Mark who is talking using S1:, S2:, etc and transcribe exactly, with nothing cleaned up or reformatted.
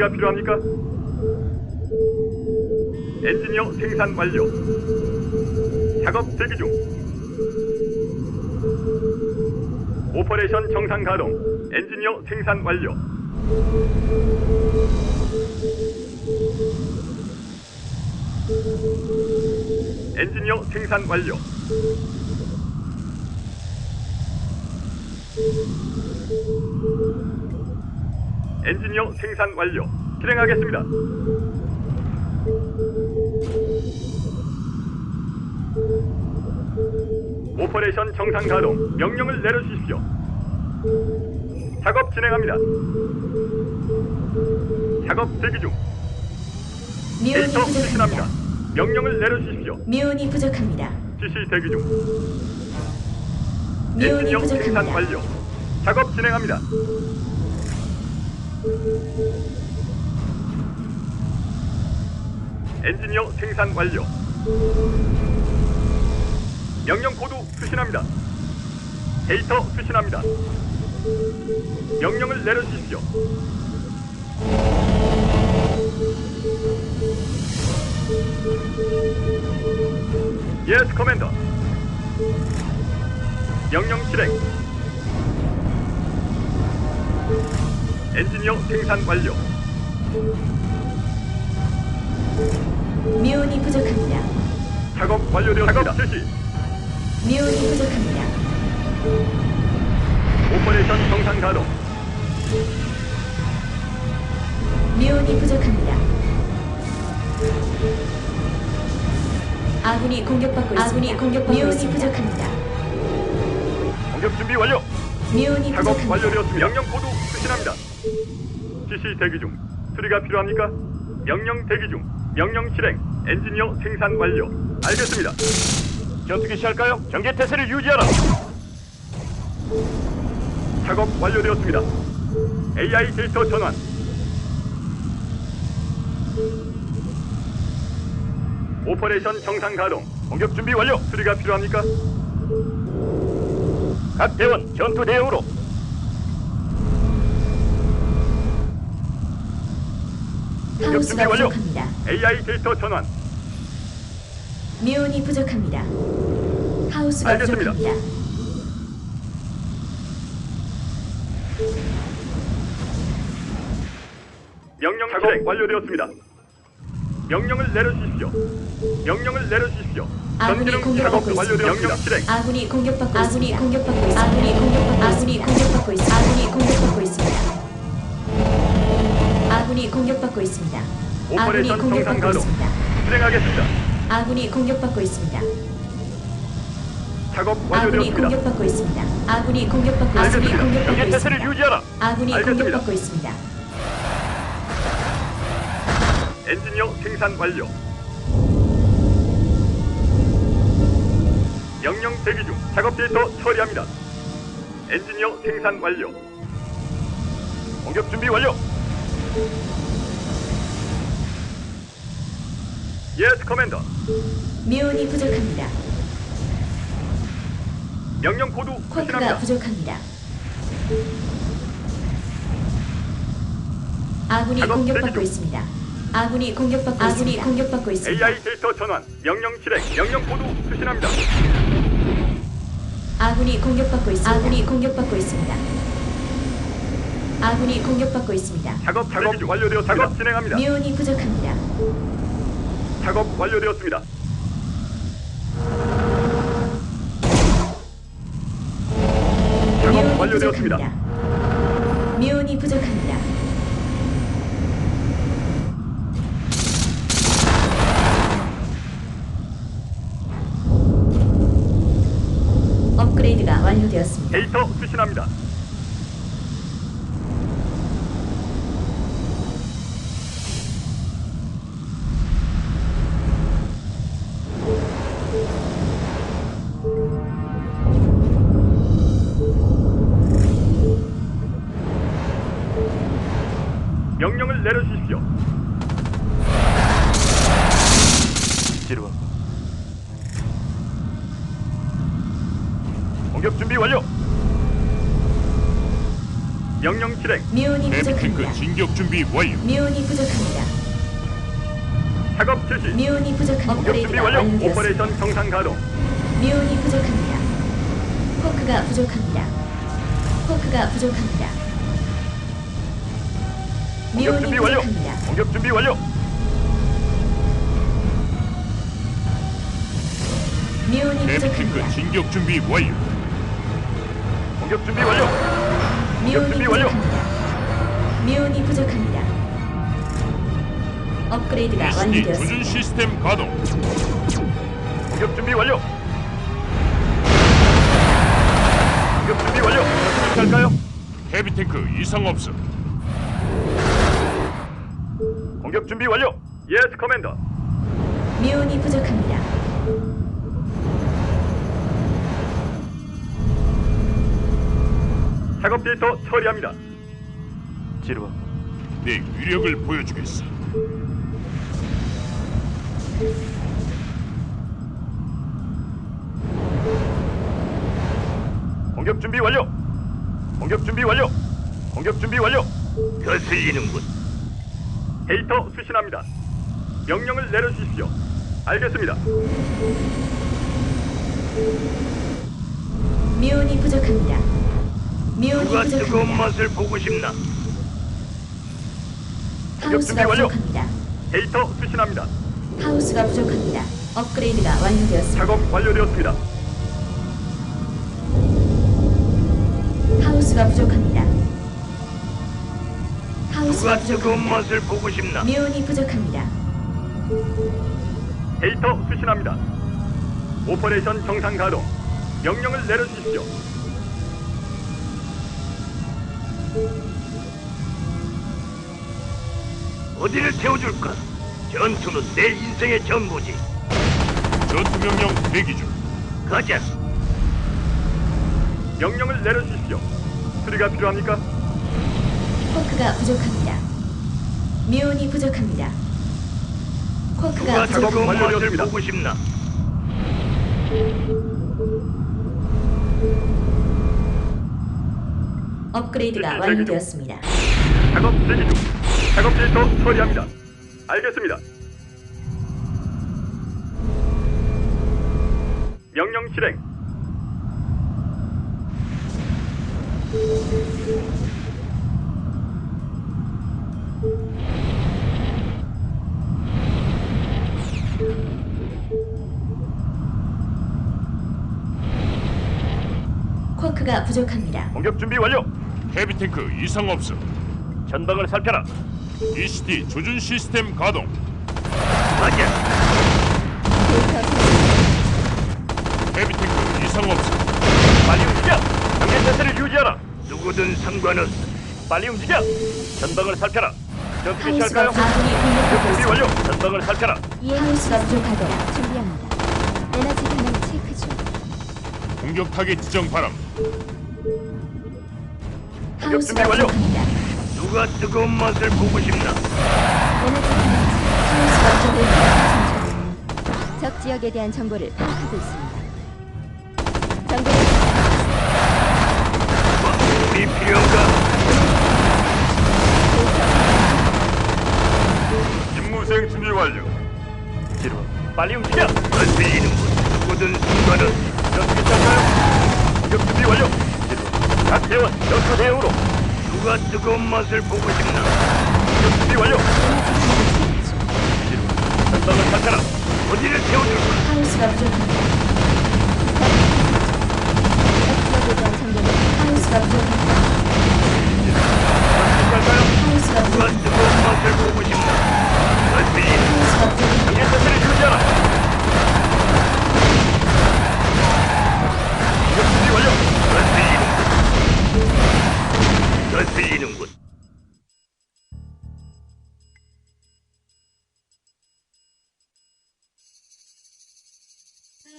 S1: 수리가 필요합니까? 엔지니어 생산 완료. 작업 대기 중. 오퍼레이션 정상 가동. 엔지니어 생산 완료. 엔지니어 생산 완료. 엔지니어 생산 완료. 실행하겠습니다. 오퍼레이션 정상 가동. 명령을 내려주십시오. 작업 진행합니다. 작업 대기 중.
S2: 미온이
S1: 데이터 수신합니다.
S2: 부족합니다.
S1: 명령을 내려주십시오.
S2: 미온이 부족합니다.
S1: 지시 대기 중.
S2: 미온이
S1: 엔지니어 생산
S2: 부족합니다.
S1: 완료. 작업 진행합니다. 엔지니어 생산 완료. 명령 코드 수신합니다. 데이터 수신합니다. 명령을 내려주십시오. 예스 커맨더. 명령 실행. 엔지니어 생산 완료.
S2: 미온이 부족합니다.
S1: 작업 완료되었습니다. 작업 실시.
S2: 미온이 부족합니다.
S1: 오퍼레이션 정상 가동.
S2: 미온이 부족합니다. 아군이 공격받고 있습니다. 아군이 공격받고 미온이 있습니다. 부족합니다.
S1: 공격 준비 완료.
S2: 미온이
S1: 작업
S2: 부족합니다.
S1: 완료되었습니다. 명령 코드 수신합니다. 지시 대기 중. 수리가 필요합니까? 명령 대기 중. 명령 실행. 엔지니어 생산 완료. 알겠습니다. 전투기 시할까요? 경계 태세를 유지하라. 작업 완료되었습니다. 에이아이 데이터 전환. 오퍼레이션 정상 가동. 공격 준비 완료. 수리가 필요합니까? 각 대원 전투 대응으로. 공격 준비
S2: 하우스가
S1: 완료.
S2: 부족합니다.
S1: 에이아이 데이터 전환.
S2: 미온이 부족합니다. 하우스가
S1: 알겠습니다.
S2: 부족합니다.
S1: 명령 작업 완료되었습니다. 명령을 내려주십시오. 명령을 내려주십시오.
S2: 아군이
S1: 전기능
S2: 공격받고
S1: 작업 완료되었습니다.
S2: 있습니다.
S1: 명령 실행.
S2: 아군이 공격받고 아군이 공격받고 있습니다. 아군이 공격받고 아군이 공격받고 있습니다. 아군이 공격받고 있습니다. 아군이 공격받고 있습니다. 아군이
S1: 오퍼레이션 정상
S2: 공격받고
S1: 가동.
S2: 있습니다.
S1: 실행하겠습니다.
S2: 아군이 공격받고 있습니다.
S1: 작업
S2: 아군이
S1: 완료되었습니다.
S2: 공격받고 있습니다. 아군이 공격받고 아군이
S1: 알겠습니다.
S2: 공격받고
S1: 경계 태세를
S2: 있습니다.
S1: 유지하라.
S2: 아군이
S1: 알겠습니다.
S2: 공격받고 있습니다.
S1: 엔지니어 생산 완료. 명령 대기 중. 작업 데이터 처리합니다. 엔지니어 생산 완료. 공격 준비 완료. 예스 커맨더.
S2: 미온이 부족합니다.
S1: 명령 코드
S2: 쿼크가
S1: 수신합니다.
S2: 부족합니다. 아군이
S1: 작업
S2: 공격받고
S1: 대기 중.
S2: 있습니다. 아군이 공격받고 아군이 있습니다. 공격받고 있습니다.
S1: 에이아이 데이터 전환. 명령 실행. 명령 코드 수신합니다.
S2: 아군이 공격받고 있습니다. 아군이 공격받고 있습니다. 아군이 공격받고 있습니다.
S1: 작업 작업 완료되었습니다. 작업 진행합니다.
S2: 미온이 부족합니다.
S1: 작업 완료되었습니다. 작업
S2: 미온이
S1: 완료되었습니다.
S2: 부족합니다. 미온이 부족합니다. 업그레이드가 완료되었습니다.
S1: 데이터 수신합니다. 명령을 내려주십시오. 지루와 공격 준비 완료. 명령 실행.
S2: 미온이
S3: 헤비 탱크
S2: 부족합니다.
S3: 진격 준비 완료.
S2: 미온이 부족합니다.
S1: 작업 실시.
S2: 미온이 부족합니다.
S1: 공격 준비
S2: 업그레이드가
S1: 완료.
S2: 완료되었습니다.
S1: 오퍼레이션 정상 가동.
S2: 미온이 부족합니다. 포크가 부족합니다. 포크가 부족합니다.
S1: 공격
S2: 미온이
S1: 준비 완료.
S2: 부족합니다.
S1: 공격 준비 완료.
S2: 미온이
S3: 헤비 탱크
S2: 부족합니다.
S3: 진격 준비 완료.
S1: 공격 준비 완료.
S2: 미온이
S1: 준비 완료.
S2: 부족합니다. 미온이 부족합니다. 업그레이드가
S3: 이스디
S2: 완료되었습니다.
S3: 조준 시스템 가동.
S1: 공격 준비 완료. 공격 준비 완료. 어떻게 할까요?
S3: 헤비 탱크 이상 없음.
S1: 공격 준비 완료. 예스 커맨더.
S2: 미온이 부족합니다.
S1: 작업 데이터 처리합니다. 지루와.
S3: 내 위력을 보여주겠어.
S1: 공격 준비 완료. 공격 준비 완료. 공격 준비 완료.
S4: 거슬리는군.
S1: 데이터 수신합니다. 명령을 내려주십시오. 알겠습니다.
S2: 미온이 부족합니다. 미온이
S4: 누가 뜨거운
S2: 부족합니다.
S4: 맛을 보고 싶나?
S1: 준비
S2: 하우스가
S1: 완료.
S2: 부족합니다.
S1: 데이터 수신합니다.
S2: 하우스가 부족합니다. 업그레이드가 완료되었습니다.
S1: 작업 완료되었습니다.
S2: 하우스가 부족합니다. 하우스가
S4: 누가 뜨거운
S2: 부족합니다.
S4: 맛을 보고 싶나?
S2: 미온이 부족합니다.
S1: 데이터 수신합니다. 오퍼레이션 정상 가동. 명령을 내려주십시오.
S4: 어디를 태워줄까? 전투는 내 인생의 전부지.
S3: 전투 명령 대기 중.
S4: 가자.
S1: 명령을 내려주십시오. 수리가 필요합니까?
S2: 쿼크가 부족합니다. 미온이 부족합니다. 쿼크가
S4: 누가
S1: 작업
S4: 뜨거운 맛을
S1: 완료되었습니다.
S4: 보고 싶나?
S2: 업그레이드가
S1: 대기 중.
S2: 완료되었습니다.
S1: 작업 대기 중. 작업 데이터 처리합니다. 알겠습니다. 명령 실행.
S2: 쿼크가 부족합니다.
S1: 공격 준비 완료.
S3: 헤비 탱크 이상 없음.
S1: 전방을 살펴라.
S3: 이스디 조준 시스템 가동.
S4: 가자.
S3: 헤비 탱크 이상 없음.
S1: 빨리 움직여. 경계 태세를 유지하라.
S4: 누구든 상관없어.
S1: 빨리 움직여. 전방을 살펴라. 전투기
S2: 하우스가
S1: 시작할까요?
S2: 아군이 공격받고
S1: 준비 완료.
S2: 있습니다.
S1: 전방을 살펴라.
S2: 하우스가 부족하도록
S5: 준비합니다. 에너지 반응 체크 중.
S3: 공격 타겟 지정 바람.
S2: 하우스가
S1: 준비 완료.
S2: 부족합니다.
S4: 누가 뜨거운 맛을 보고 싶나?
S5: 에너지 반응
S2: 하우스가 부족합니다.
S5: 중. 적 지역에 대한 정보를 파악하고 있습니다. 정보를
S4: 우리 필요한가?
S1: 임무 수행 준비 완료. 지루. 빨리 움직여.
S4: 거슬리는군. 누구든 상관없어.
S1: 전투기 시작할까요? 공격 준비 완료. 지루. 각 대원 전투 대응으로.
S4: 누가 뜨거운 맛을 보고 싶나?
S1: 공격 준비 완료. 지루. 전방을 살펴라.
S4: 어디를 태워줄까?
S2: 하우스가 부족합니다.
S5: 적 지역에 대한 정보를
S2: 하우스가 부족합니다.
S1: 시작할까요?
S2: 하우스가
S4: 누가
S2: 부족합니다.
S4: 뜨거운 맛을 보고 싶나? 거슬리는
S2: 하우스가 부족합니다.
S1: 경계 태세를 유지하라. 공격 준비 완료.
S4: 거슬리는군. 거슬리는군.